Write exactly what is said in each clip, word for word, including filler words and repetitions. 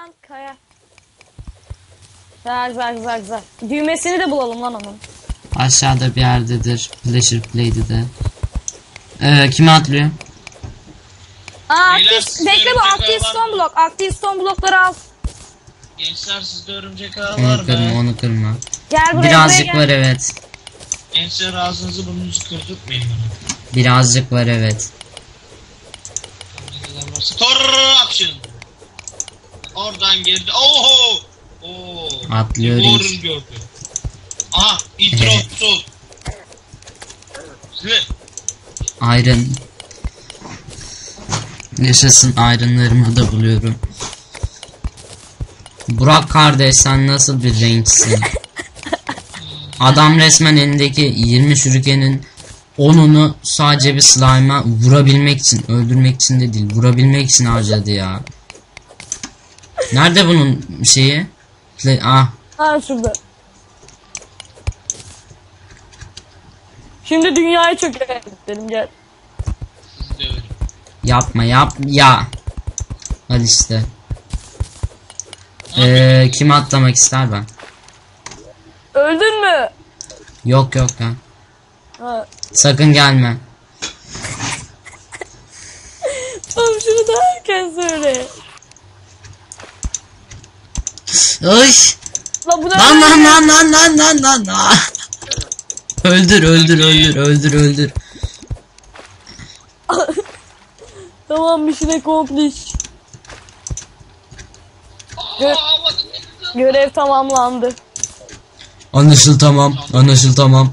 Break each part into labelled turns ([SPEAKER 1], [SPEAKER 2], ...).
[SPEAKER 1] lan kaya. Güzel güzel güzel güzel. Düğmesini de bulalım lan onun.
[SPEAKER 2] Aşağıda bir yerdedir. Pleasure Play'de de. Ee, kimi atlıyor?
[SPEAKER 1] Aa,
[SPEAKER 3] Beyler,
[SPEAKER 1] aktif,
[SPEAKER 3] siz
[SPEAKER 1] bekle bu
[SPEAKER 3] örümcek
[SPEAKER 1] aktif
[SPEAKER 3] ağı var
[SPEAKER 1] stone
[SPEAKER 3] mı?
[SPEAKER 1] blok. Aktif stone blokları al.
[SPEAKER 3] Gençler sizde örümcek ağı var
[SPEAKER 2] Onu kırma,
[SPEAKER 3] mı?
[SPEAKER 2] onu kırma.
[SPEAKER 1] Gel buraya.
[SPEAKER 2] Birazcık
[SPEAKER 1] buraya gel.
[SPEAKER 2] var evet.
[SPEAKER 3] Gençler ağzınızı burnunuzu kırdırtmayın bana.
[SPEAKER 2] Birazcık var evet.
[SPEAKER 3] Ne kadar varsa. Tor action. Oradan geldi. Oho. Oo.
[SPEAKER 2] Atlıyor
[SPEAKER 3] Doğru
[SPEAKER 2] hiç.
[SPEAKER 3] gördü. Aha. Intro. Sol. Size.
[SPEAKER 2] Iron. Yaşasın, ironlarımı da buluyorum. Burak kardeş, sen nasıl bir renksin? Adam resmen elindeki yirmi şurikenin onunu sadece bir slime'a vurabilmek için, öldürmek için de değil, vurabilmek için harcadı ya. Nerede bunun şeyi? Play ah.
[SPEAKER 1] Ha şurada. Şimdi dünyayı çökertelim gel.
[SPEAKER 3] Sizi döverim.
[SPEAKER 2] Yapma yap ya. Hadi işte. Ee, kim atlamak ister ben?
[SPEAKER 1] Öldün mü?
[SPEAKER 2] Yok yok ya.
[SPEAKER 1] Ha.
[SPEAKER 2] Sakın gelme.
[SPEAKER 1] Tamam şunu da erken söyle.
[SPEAKER 2] Ay.
[SPEAKER 1] La bu ne?
[SPEAKER 2] Lan lan lan lan lan lan lan lan. Öldür öldür öldür öldür öldür.
[SPEAKER 1] Tamam mission accomplished. Gö görev tamamlandı.
[SPEAKER 2] Anlaşıl tamam. Anlaşıl tamam.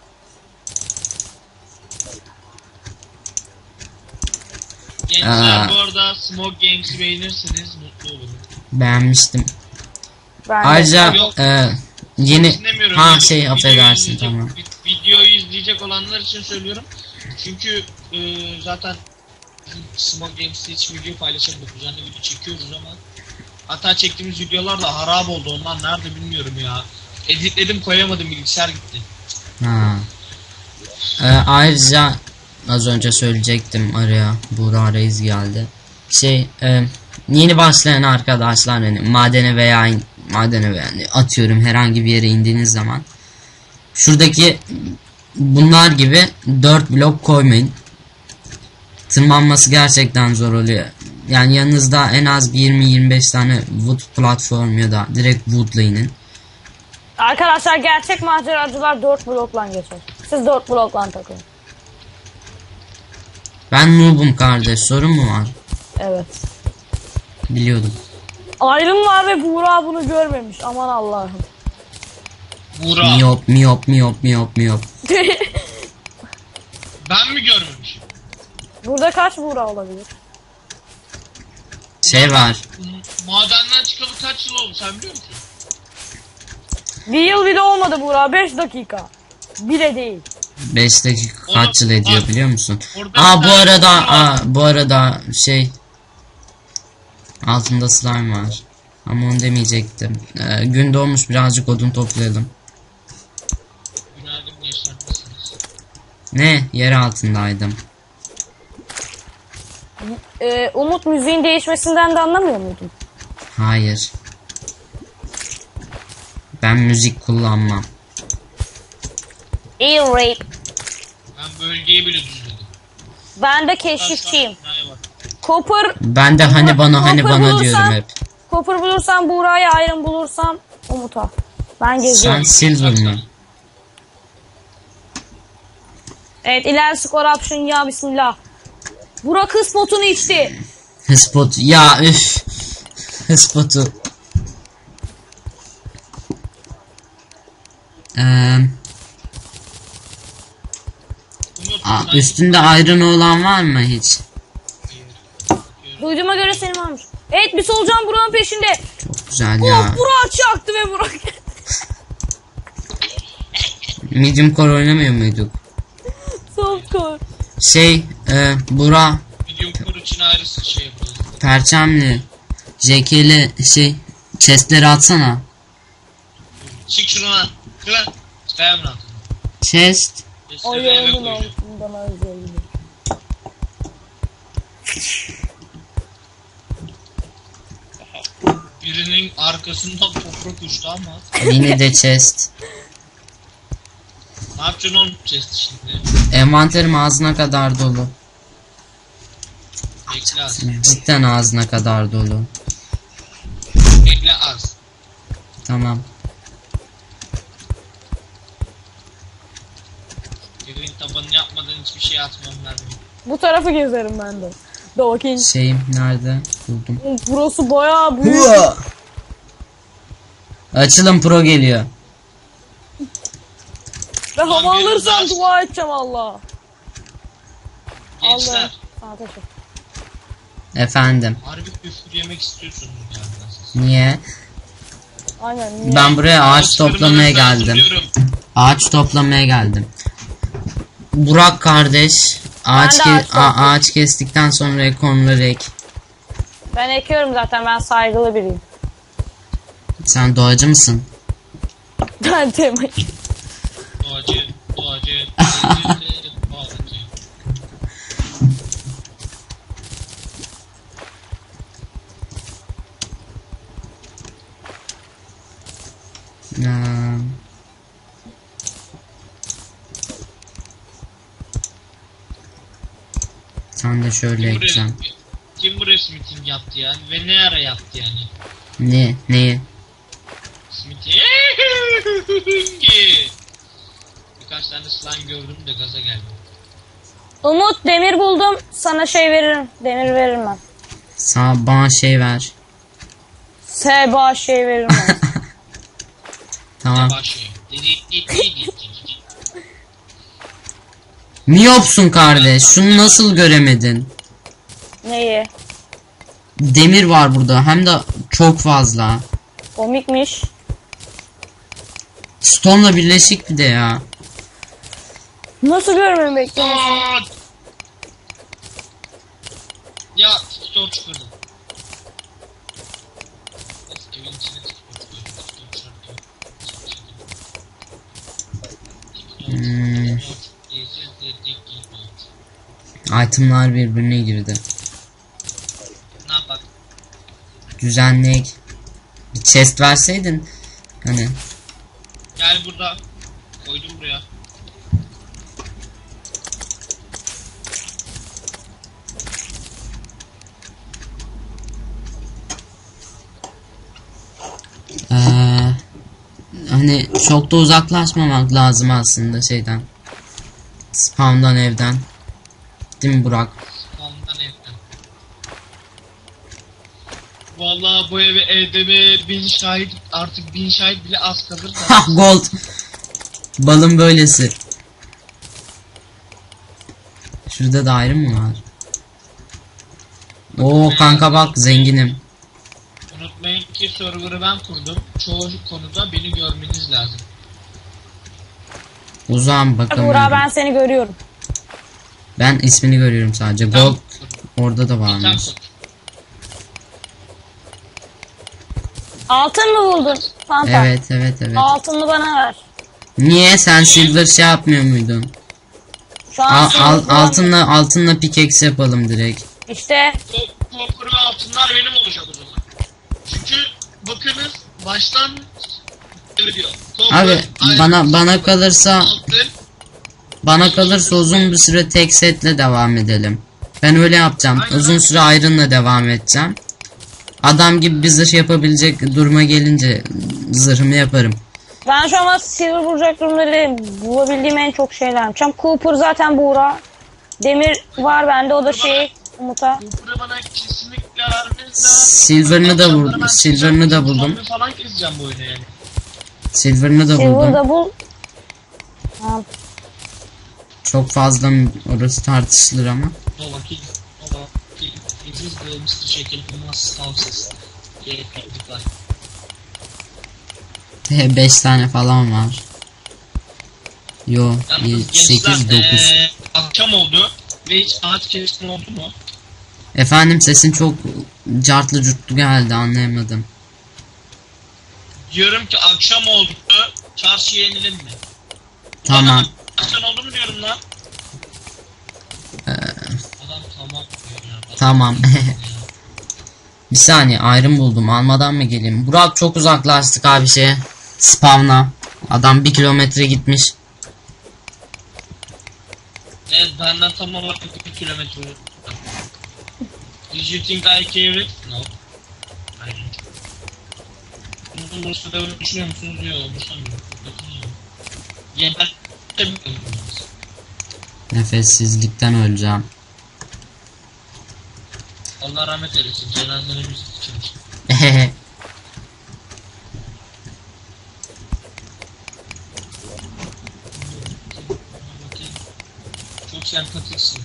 [SPEAKER 3] Gençler
[SPEAKER 2] Aa.
[SPEAKER 3] bu arada Smoke Games'i beğenirseniz mutlu olurum.
[SPEAKER 2] Beğenmiştim.
[SPEAKER 1] Ben de.
[SPEAKER 2] Ayrıca
[SPEAKER 3] Yok.
[SPEAKER 2] e, yeni
[SPEAKER 3] Dinlemiyorum.
[SPEAKER 2] ha
[SPEAKER 3] Yani
[SPEAKER 2] şey
[SPEAKER 3] videoyu
[SPEAKER 2] affedersin
[SPEAKER 3] izleyecek-
[SPEAKER 2] tamam.
[SPEAKER 3] vi- Videoyu izleyecek olanlar için söylüyorum. Çünkü e, zaten bizim Smoke Games'te hiç video paylaşamadık. Düzenli video çekiyoruz ama hatta çektiğimiz videolar da harap oldu. Onlar nerede bilmiyorum ya. Editledim koyamadım, bilgisayar gitti.
[SPEAKER 2] Ha. E, ayrıca az önce söyleyecektim araya Buğra Reis geldi. Şey e, yeni başlayan arkadaşlar hani madene veya in, madene veya yani atıyorum herhangi bir yere indiğiniz zaman şuradaki bunlar gibi dört blok koymayın. Tırmanması gerçekten zor oluyor. Yani yanınızda en az bir yirmi yirmi beş tane wood platform ya da direkt wood'la inin.
[SPEAKER 1] Arkadaşlar gerçek maceracılar dört blokla geçer. Siz dört blokla takılın.
[SPEAKER 2] Ben noob'um kardeş, sorun mu var?
[SPEAKER 1] Evet.
[SPEAKER 2] Biliyordum.
[SPEAKER 1] Ayrım var ve Buğra bunu görmemiş. Aman Allah'ım.
[SPEAKER 3] Buğra.
[SPEAKER 2] Miyop miyop miyop miyop miyop.
[SPEAKER 3] Ben mi görmemişim?
[SPEAKER 1] Burada kaç Buğra olabilir?
[SPEAKER 2] Şey var.
[SPEAKER 3] Madenden çıkalı kaç yıl oldu sen biliyor musun?
[SPEAKER 1] Bir yıl bile olmadı Buğra. beş dakika. Bile değil.
[SPEAKER 2] beş dakika kaç yıl ediyor biliyor musun?
[SPEAKER 3] Orada
[SPEAKER 2] Aa
[SPEAKER 3] bir
[SPEAKER 2] bu
[SPEAKER 3] tane
[SPEAKER 2] arada
[SPEAKER 3] var.
[SPEAKER 2] aa, bu arada şey altında slime var. Ama onu demeyecektim. Ee, gün doğmuş, birazcık odun toplayalım.
[SPEAKER 3] Günaydın gençler, nasılsınız?
[SPEAKER 2] Ne? Yer altındaydım.
[SPEAKER 1] Ee, Umut müziğin değişmesinden de anlamıyor muydun?
[SPEAKER 2] Hayır. Ben müzik kullanmam.
[SPEAKER 1] İyi rape.
[SPEAKER 3] Ben bölgeyi bile düzledim.
[SPEAKER 1] Ben de keşifçiyim.
[SPEAKER 3] Binaya bak.
[SPEAKER 1] Copper,
[SPEAKER 2] Ben de hani bana hani
[SPEAKER 1] Copper
[SPEAKER 2] bana
[SPEAKER 1] bulursan-
[SPEAKER 2] diyorum hep.
[SPEAKER 1] Copper bulursam Buğra'ya, Iron bulursam Umut'a. Ben
[SPEAKER 2] Sen
[SPEAKER 1] geziyorum.
[SPEAKER 2] silver mı?
[SPEAKER 1] Evet, ilerisi corruption ya bismillah. Burak kız potunu içti.
[SPEAKER 2] Spot ya üf. Spotu. Eee
[SPEAKER 3] Umut,
[SPEAKER 2] Aa,
[SPEAKER 3] sen-
[SPEAKER 2] üstünde iron olan var mı hiç?
[SPEAKER 1] Duyduğuma göre senin varmış. Evet, bir solucan Burak'ın peşinde.
[SPEAKER 2] Çok güzel
[SPEAKER 1] Oh,
[SPEAKER 2] ya.
[SPEAKER 1] Burak çaktı ve Burak.
[SPEAKER 2] Medium core oynamıyor muyduk?
[SPEAKER 1] Soft core.
[SPEAKER 2] Şey, e, Bura,
[SPEAKER 3] Video kur için ayrısı şey yapalım.
[SPEAKER 2] Perçemli, J K'li şey, chestleri atsana.
[SPEAKER 3] Çık şuna. Kıran. Çıkayım lan.
[SPEAKER 2] Chest.
[SPEAKER 1] O
[SPEAKER 3] Eve
[SPEAKER 1] yolun
[SPEAKER 3] koyacağım.
[SPEAKER 1] altından özelliği.
[SPEAKER 3] Birinin arkasından toprak uçtu ama.
[SPEAKER 2] Yine de chest.
[SPEAKER 3] Ne yapacaksın oğlum chest şimdi?
[SPEAKER 2] Envanterim ağzına kadar dolu.
[SPEAKER 3] Bekle az.
[SPEAKER 2] Cidden ağzına kadar dolu.
[SPEAKER 3] Bekle az.
[SPEAKER 2] Tamam.
[SPEAKER 3] Evin tabanını yapmadan hiçbir şey atmam lazım.
[SPEAKER 1] Bu tarafı gezerim ben de. Da bakayım.
[SPEAKER 2] Şeyim nerede? Buldum.
[SPEAKER 1] Burası bayağı büyük.
[SPEAKER 2] Açılın pro geliyor.
[SPEAKER 1] Ve hava
[SPEAKER 3] Lan benim
[SPEAKER 1] alırsam
[SPEAKER 3] daha-
[SPEAKER 1] dua edeceğim Allah.
[SPEAKER 3] Gençler.
[SPEAKER 1] Sana teşekkür.
[SPEAKER 2] Efendim.
[SPEAKER 3] Harbi küfür yemek istiyorsunuz yani.
[SPEAKER 2] Niye?
[SPEAKER 1] Aynen. Niye?
[SPEAKER 2] Ben buraya ağaç toplamaya
[SPEAKER 3] Ağaçlarımı
[SPEAKER 2] geldim.
[SPEAKER 3] hazırlıyorum.
[SPEAKER 2] Ağaç toplamaya geldim. Burak kardeş ağaç
[SPEAKER 1] Ben de
[SPEAKER 2] ke-
[SPEAKER 1] ağaç
[SPEAKER 2] a-
[SPEAKER 1] topluyorum.
[SPEAKER 2] ağaç kestikten sonra konuları ek.
[SPEAKER 1] Ben ekiyorum zaten, ben saygılı biriyim.
[SPEAKER 2] Sen doğacı mısın?
[SPEAKER 1] Ben temayım.
[SPEAKER 3] Doğacı, doğacı, doğacı, doğacı.
[SPEAKER 2] Ee, Sen de şöyle
[SPEAKER 3] Kim buraya,
[SPEAKER 2] ekeceğim.
[SPEAKER 3] kim buraya smithing yaptı yani ve ne ara yaptı yani?
[SPEAKER 2] Ne? Neyi?
[SPEAKER 3] Smithing. Birkaç tane slime gördüm de gaza geldim.
[SPEAKER 1] Umut, demir buldum. Sana şey veririm. Demir veririm ben.
[SPEAKER 2] Sana bana şey ver.
[SPEAKER 1] Seba şey veririm ben.
[SPEAKER 2] Tamam.
[SPEAKER 3] Başlıyor.
[SPEAKER 2] Miyopsun kardeş. Şunu nasıl göremedin?
[SPEAKER 1] Neyi?
[SPEAKER 2] Demir var burada. Hem de çok fazla.
[SPEAKER 1] Komikmiş.
[SPEAKER 2] Stone'la birleşik bir de ya.
[SPEAKER 1] Nasıl görmemi bekliyorsun?
[SPEAKER 3] Aa! Ya store çıkardım. Neyse, evin içine store çıkardım.
[SPEAKER 2] Hmm. Itemlar birbirine girdi.
[SPEAKER 3] Ne yapak?
[SPEAKER 2] Düzenleyek. Bir chest verseydin. Hani.
[SPEAKER 3] Gel burada. Koydum buraya.
[SPEAKER 2] Ee, hani çok da uzaklaşmamak lazım aslında şeyden. Spawn'dan, evden. Değil mi Burak?
[SPEAKER 3] Ondan evden. Vallahi bu eve evde bin şahit, artık bin şahit bile az kalır da.
[SPEAKER 2] Ha, gold. Balın böylesi. Şurada da ayrı mı var? Oo kanka bak zenginim.
[SPEAKER 3] Unutmayın ki server'ı ben kurdum. Çoğu konuda beni görmeniz lazım.
[SPEAKER 2] Uzağım
[SPEAKER 1] Burak,
[SPEAKER 2] bakamıyorum.
[SPEAKER 1] ben seni görüyorum.
[SPEAKER 2] Ben ismini görüyorum sadece.
[SPEAKER 3] Tam
[SPEAKER 2] Gold
[SPEAKER 3] kurdum.
[SPEAKER 2] orada da
[SPEAKER 3] Bir tam
[SPEAKER 2] varmış.
[SPEAKER 3] kurdum.
[SPEAKER 1] Altın mı buldun? Fanta.
[SPEAKER 2] Evet evet evet.
[SPEAKER 1] Altını bana ver.
[SPEAKER 2] Niye sen silver şey yapmıyor muydun?
[SPEAKER 1] Şu an
[SPEAKER 2] Al,
[SPEAKER 1] seni
[SPEAKER 2] al,
[SPEAKER 1] bulamıyorum.
[SPEAKER 2] altınla altınla pickaxe yapalım direkt.
[SPEAKER 1] İşte
[SPEAKER 3] Copper ve altınlar benim olacak o zaman. Çünkü bakınız baştan diyor. Copper,
[SPEAKER 2] Abi
[SPEAKER 3] iron,
[SPEAKER 2] bana bana kalırsa
[SPEAKER 3] altın.
[SPEAKER 2] bana kalırsa uzun bir süre tek setle devam edelim. Ben öyle yapacağım.
[SPEAKER 3] Aynen.
[SPEAKER 2] Uzun süre iron'la devam edeceğim. Adam gibi bir zırh yapabilecek duruma gelince zırhımı yaparım.
[SPEAKER 1] ben şu an silver bulacak durumları bulabildiğim en çok şeyler yapacağım. Cooper zaten Buğra. Demir var bende, o da şey Umut'a.
[SPEAKER 3] Copper'ı bana kesinlikle vermeniz lazım.
[SPEAKER 2] Silver'ını da
[SPEAKER 3] Akşamları
[SPEAKER 2] vur-
[SPEAKER 3] ben
[SPEAKER 2] silver'ını da buldum.
[SPEAKER 3] zombi falan keseceğim bu oyunu yani.
[SPEAKER 2] Silver'ını da buldum.
[SPEAKER 1] Silver'da bul. Ha,
[SPEAKER 2] Çok fazla mı- orası tartışılır ama.
[SPEAKER 3] No vakil. No vakil. It is the mister Şekil Kumas Houses. Yepyeklikler.
[SPEAKER 2] beş tane falan var. Yo
[SPEAKER 3] Yalnız
[SPEAKER 2] sekiz
[SPEAKER 3] gençler,
[SPEAKER 2] dokuz.
[SPEAKER 3] eee, akşam oldu ve hiç ağaç kesme oldu mu?
[SPEAKER 2] Efendim sesin çok cartlı curtlu geldi, anlayamadım.
[SPEAKER 3] Diyorum ki akşam oldu, çarşıya inelim mi?
[SPEAKER 2] Tamam.
[SPEAKER 3] Akşam oldu mu diyorum lan?
[SPEAKER 2] Ee,
[SPEAKER 3] Adam tamam diyor ya. Adam
[SPEAKER 2] tamam.
[SPEAKER 3] ya.
[SPEAKER 2] Bir saniye ayrım buldum. Almadan mı geleyim? Burak çok uzaklaştık abi şeye. Spawn'a. Adam bir kilometre gitmiş.
[SPEAKER 3] Evet benden tam olarak bir kilometre. Did you think I care it? No. Hayır. Bunun burası da öyle düşünüyor musunuz? Yok, umursamıyorum. Yeter.
[SPEAKER 2] Nefessizlikten öleceğim.
[SPEAKER 3] Allah rahmet eylesin. Cenazelerimiz için. Çok sempatiksin.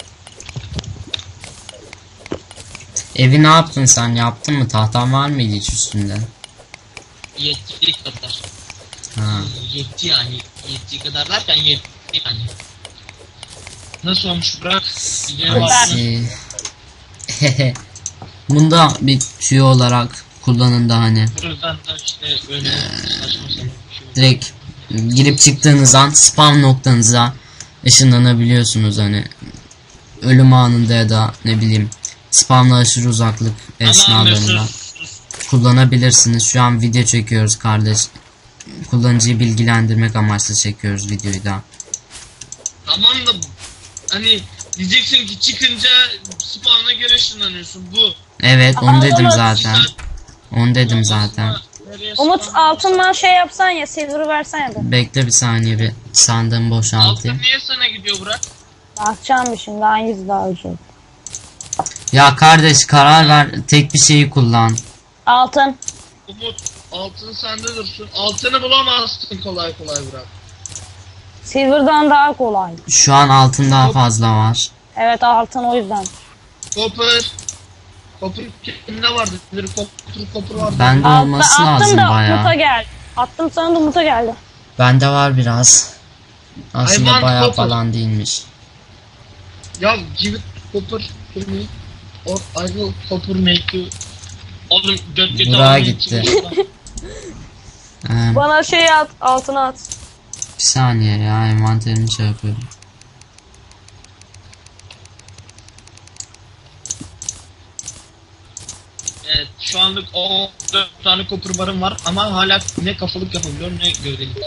[SPEAKER 2] Evi ne yaptın sen? Yaptın mı? Tahtan var mıydı hiç üstünde?
[SPEAKER 3] Yettiği kadar.
[SPEAKER 2] Ha.
[SPEAKER 3] Yetti yani. Yettiği kadar derken yetti yani. Nasıl olmuş Burak? Videoya baktın.
[SPEAKER 2] Hadi. Bunda bir tüy olarak kullanın da hani.
[SPEAKER 3] Buradan da işte öyle saçma sapan bir şey oldu.
[SPEAKER 2] Direkt girip çıktığınız an spawn noktanıza ışınlanabiliyorsunuz hani. Ölüm anında ya da ne bileyim spawnla aşırı uzaklık esnalarında kullanabilirsiniz. Şu an video çekiyoruz kardeş. Kullanıcıyı bilgilendirmek amaçlı çekiyoruz videoyu da.
[SPEAKER 3] Tamam da hani diyeceksin ki çıkınca spawn'a göre ışınlanıyorsun bu.
[SPEAKER 2] Evet onu dedim
[SPEAKER 1] Umut.
[SPEAKER 2] zaten. Onu dedim zaten.
[SPEAKER 1] Umut altından şey yapsan ya, silver'ı versen ya da.
[SPEAKER 2] Bekle bir saniye bir sandığımı boşaltayım.
[SPEAKER 3] Altın niye sana gidiyor Burak?
[SPEAKER 1] Bakacağım bir şimdi hangisi daha ucuz.
[SPEAKER 2] Ya kardeş karar ver, tek bir şeyi kullan.
[SPEAKER 1] Altın.
[SPEAKER 3] Umut altın sende dursun. Altını bulamazsın kolay kolay Burak.
[SPEAKER 1] Silver'dan daha kolay.
[SPEAKER 2] Şu an altın daha fazla var.
[SPEAKER 1] Evet altın o yüzden.
[SPEAKER 3] Copper. Copper kimde vardı? Bir copper copper vardı.
[SPEAKER 2] Bende
[SPEAKER 1] Altta,
[SPEAKER 2] olması
[SPEAKER 1] attım
[SPEAKER 2] lazım
[SPEAKER 1] da Umut'a
[SPEAKER 2] bayağı.
[SPEAKER 1] gel. Attım sana da Umut'a geldi.
[SPEAKER 2] Bende var biraz. Aslında
[SPEAKER 3] Hayvan
[SPEAKER 2] bayağı
[SPEAKER 3] copper.
[SPEAKER 2] falan değilmiş.
[SPEAKER 3] Ya give it copper to me. Or I will copper make you. Oğlum dört götü
[SPEAKER 2] Burak'a
[SPEAKER 3] almayı
[SPEAKER 2] gitti.
[SPEAKER 3] için-
[SPEAKER 2] Ee,
[SPEAKER 1] Bana şey at, altına at.
[SPEAKER 2] bir saniye ya envanterimi şey yapıyorum.
[SPEAKER 3] Evet şu anlık o dört tane copper barım var ama hala ne kafalık yapabiliyorum ne gövdelik.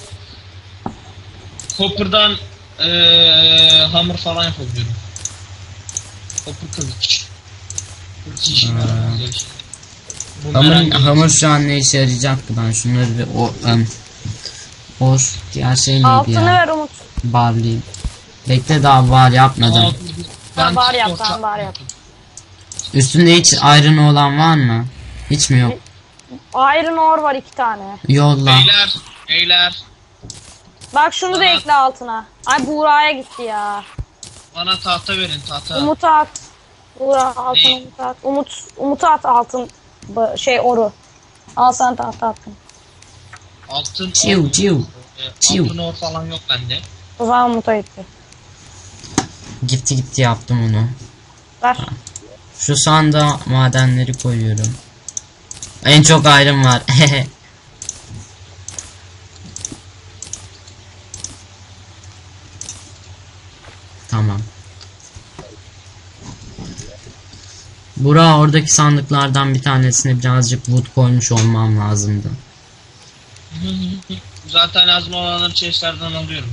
[SPEAKER 3] Copper'dan eee hammer falan yapabiliyorum. Copper kılıç. Kılıç işime yaramaz ya işte.
[SPEAKER 2] Hamur,
[SPEAKER 3] Bumerang
[SPEAKER 2] hamur şu an ne işe yarayacak ki ben şunları bir o um, o diğer şey neydi
[SPEAKER 1] Altını
[SPEAKER 2] ya?
[SPEAKER 1] ver Umut.
[SPEAKER 2] Barleyim. Bekle daha var yapmadım.
[SPEAKER 1] Ben var yap,
[SPEAKER 3] orta-
[SPEAKER 1] ben var yap.
[SPEAKER 2] Üstünde hiç iron olan var mı? Hiç mi yok?
[SPEAKER 1] Iron ore var iki tane.
[SPEAKER 2] Yolla.
[SPEAKER 3] Beyler, beyler
[SPEAKER 1] Bak şunu da
[SPEAKER 3] Bana-
[SPEAKER 1] ekle altına. Ay Buğra'ya gitti ya.
[SPEAKER 3] bana tahta verin tahta.
[SPEAKER 1] Umut'a at. Buğra altın
[SPEAKER 3] Ne?
[SPEAKER 1] Umut'a at. Umut, Umut'a at altın bu- şey oru. Al sen tahta attın.
[SPEAKER 3] Altın
[SPEAKER 2] Çiu,
[SPEAKER 3] or-
[SPEAKER 2] çiu,
[SPEAKER 3] e,
[SPEAKER 2] çiu.
[SPEAKER 3] Altın or falan yok bende.
[SPEAKER 1] O zaman Umut'a gitti.
[SPEAKER 2] Gitti gitti yaptım onu.
[SPEAKER 1] Ver.
[SPEAKER 2] Şu sanda madenleri koyuyorum. En çok iron var. Tamam. Burak oradaki sandıklardan bir tanesine birazcık wood koymuş olmam lazımdı.
[SPEAKER 3] Zaten lazım olanları chestlerden alıyorum.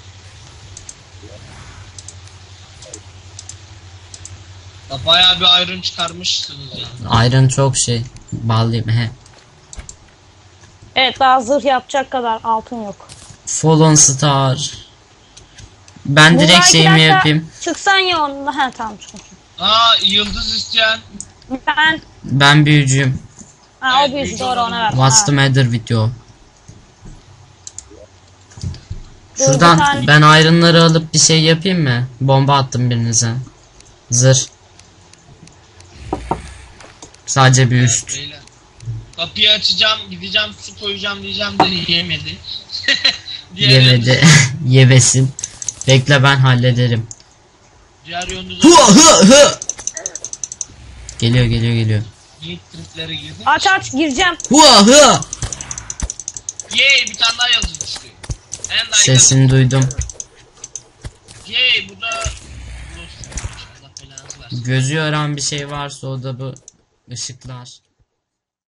[SPEAKER 3] Ya bayağı bir iron çıkarmışsınız yani.
[SPEAKER 2] Iron çok şey. Bağlayayım. He.
[SPEAKER 1] Evet daha zırh yapacak kadar altın yok.
[SPEAKER 2] Fallen Star. Ben
[SPEAKER 1] Buğra
[SPEAKER 2] direkt
[SPEAKER 1] iki
[SPEAKER 2] şeyimi
[SPEAKER 1] dakika
[SPEAKER 2] yapayım.
[SPEAKER 1] Çıksan ya onunla. He tamam çıkın.
[SPEAKER 3] Aa yıldız isteyen.
[SPEAKER 1] Ben.
[SPEAKER 2] Ben büyücüyüm.
[SPEAKER 1] Ha
[SPEAKER 3] Evet,
[SPEAKER 1] o büyücü
[SPEAKER 3] büyücü
[SPEAKER 1] doğru
[SPEAKER 3] olan
[SPEAKER 1] ona ver.
[SPEAKER 2] What's the
[SPEAKER 1] Ha.
[SPEAKER 2] matter with you?
[SPEAKER 1] Dur,
[SPEAKER 2] Şuradan
[SPEAKER 1] bir tane-
[SPEAKER 2] ben iron'ları alıp bir şey yapayım mı? Bomba attım birinize. Zırh. Sadece bir üst.
[SPEAKER 3] Beyler. Kapıyı açacağım, gideceğim, su koyacağım diyeceğim de yemedi. Diğer
[SPEAKER 2] Yemedi.
[SPEAKER 3] yöndüz-
[SPEAKER 2] Yebesin. Bekle ben hallederim.
[SPEAKER 3] Diğer yönde
[SPEAKER 2] Hı hı hı. Geliyor geliyor geliyor.
[SPEAKER 3] yiğit triplere girdi.
[SPEAKER 1] Aç aç gireceğim.
[SPEAKER 2] Hı hı.
[SPEAKER 3] Yey bir tane daha yazı düştü. And I
[SPEAKER 2] Sesini duydum.
[SPEAKER 3] Yey bu da... Allah belanızı versin.
[SPEAKER 2] Gözü yoran bir şey varsa o da bu ışıklar.